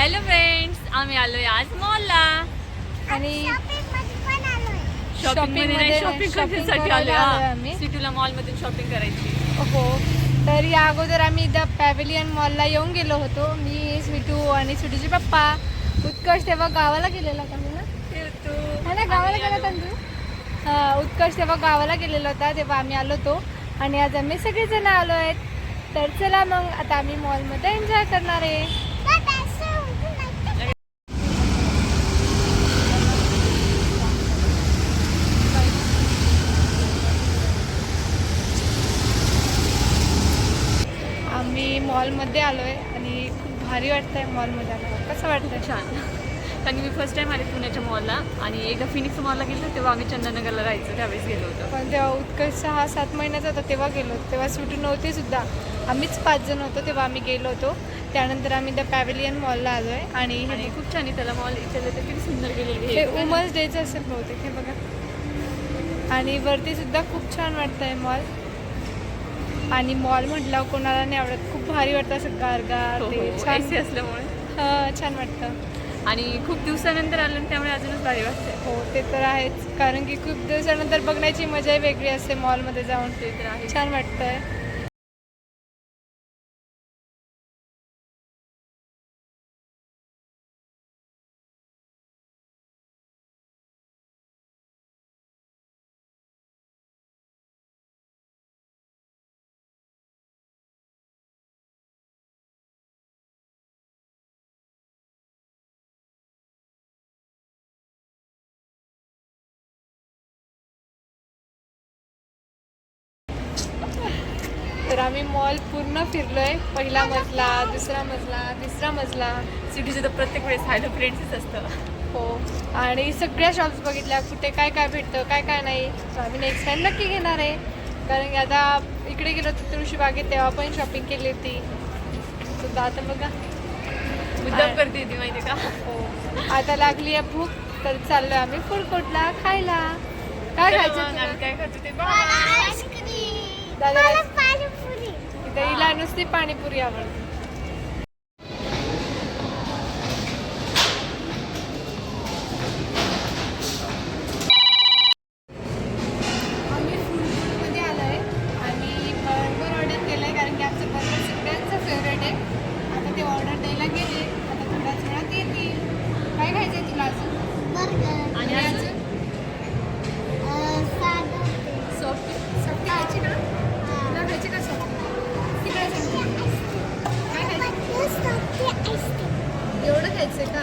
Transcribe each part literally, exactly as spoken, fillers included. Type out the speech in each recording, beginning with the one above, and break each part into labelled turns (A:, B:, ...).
A: Hello friends, आम्ही आलोय आज मॉलला
B: आणि
A: शॉपिंग मध्ये नाही, शॉपिंग करण्यासाठी आलोय
B: आम्ही
A: सिटीला मॉल मधून शॉपिंग करायची.
B: हो, तर या अगोदर आम्ही द पॅव्हिलियन मॉलला येऊन गेलो होतो. मी, स्वीटू आणि स्वीटूचे पप्पा. उत्कर्ष तेव्हा गावाला गेलेला का मी ना है ना गावाला गेला होता तू. हा, उत्कर्ष तेव्हा गावाला गेलेला होता, तेव्हा आम्ही आलो होतो आणि आज आम्ही सगळेजण आलो आहेत. तर चला मग आता आम्ही मॉलमध्ये एन्जॉय करणार आहे. आम्ही मॉलमध्ये आलो आहे आणि खूप भारी वाटतं आहे मॉलमध्ये आलं. कसं वाटतं?
A: छान, कारण मी फर्स्ट टाइम आले पुण्याच्या मॉलला आणि एकदा फिनिक्स मॉलला गेलो तेव्हा आम्ही चंदननगरला राहायचो त्यावेळेस गेलो होतो.
B: पण तेव्हा उत्कर्ष सहा सात महिन्याचा होता तेव्हा गेलो होतो. तेव्हा सुटू नव्हते सुद्धा, आम्हीच पाच जण होतो तेव्हा आम्ही गेलो होतो. त्यानंतर आम्ही द पॅव्हिलियन मॉलला आलो आहे आणि
A: आणि खूप छान आहे त्याला मॉल. इथे तर किती सुंदर गेलेली
B: हे वुमन्स डेचं असेल बहुतेक, हे बघा. आणि वरती सुद्धा खूप छान वाटतं आहे मॉल. आणि मॉल म्हटलं कोणाला नाही आवडत, खूप भारी वाटतं असं गारगार ते छान
A: असल्यामुळे.
B: हां, छान वाटतं
A: आणि खूप दिवसानंतर आलं त्यामुळे अजूनच भारी वाटतं.
B: हो, ते तर आहेच, कारण की खूप दिवसानंतर बघण्याची मजाही वेगळी असते मॉलमध्ये जाऊन.
A: ते तर आहे,
B: छान वाटतंय. तर आम्ही मॉल पूर्ण फिरलोय. पहिला मजला, दुसरा मजला, तिसरा मजला.
A: सिटीचं तर प्रत्येक वेळेस हॅलो फ्रेंड्सच असतं.
B: हो, आणि सगळ्या शॉप्स बघितल्या, कुठे काय काय भेटतं काय काय नाही. तर आम्ही नेक्स्ट टाइम नक्की घेणार आहे, कारण की आता इकडे गेलो होतो तुळशीबागेत तेव्हा पण शॉपिंग केली होती. सुद्धा आता बघा
A: मुद्दाम करते ती, माहिती का.
B: हो, आता लागली आहे भूक, तर चाललोय आम्ही फूड कोर्टला खायला. काय खायचं
A: आम्ही काय खातो ते
B: दादा? इथे हिला नुसती पाणीपुरी आवडते. आम्ही फूड कोर्टमध्ये आलो आहे आणि बर्गर ऑर्डर केलं आहे, कारण की आमचं बर्गर सगळ्यांचं फेवरेट आहे. आता ते ऑर्डर द्यायला गेले, आता थोड्याच वेळात येतील. काय खायचं आहे तुला अजून? बर्गर. आणि अजून सॉफ्टी सॉफ्टी खायची ना? तुला खायची का सॉफ्टी? ती काय सांगते? काय खायचं? एवढं खायचं का?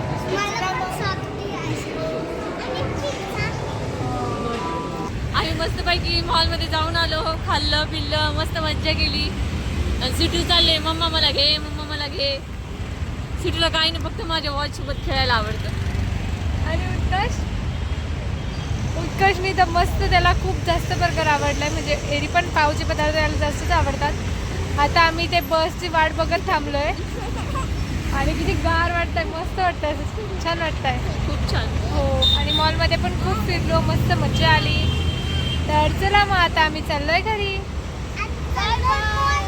A: आम्ही मस्तपैकी मॉलमध्ये जाऊन आलो, खाल्लं पिल्लं, मस्त मज्जा केली. आणि सिटू चालले, मम्मा मला घे, मम्मा मला घे. सिटूला काही नाही, फक्त माझ्या वॉच सोबत खेळायला आवडतं.
B: आणि उत्कर्ष उत्कर्षनी तर मस्त, त्याला खूप जास्त बर्गर आवडलाय. म्हणजे एरी पण पावचे पदार्थ त्याला जास्तच आवडतात. आता आम्ही ते बसची वाट बघत थांबलोय आणि किती गार वाटतंय, मस्त वाटतंय, छान वाटतंय,
A: खूप छान.
B: हो. आणि मॉलमध्ये पण खूप फिरलो, मस्त मजा आली. तर चला मग आता आम्ही चाललोय घरी.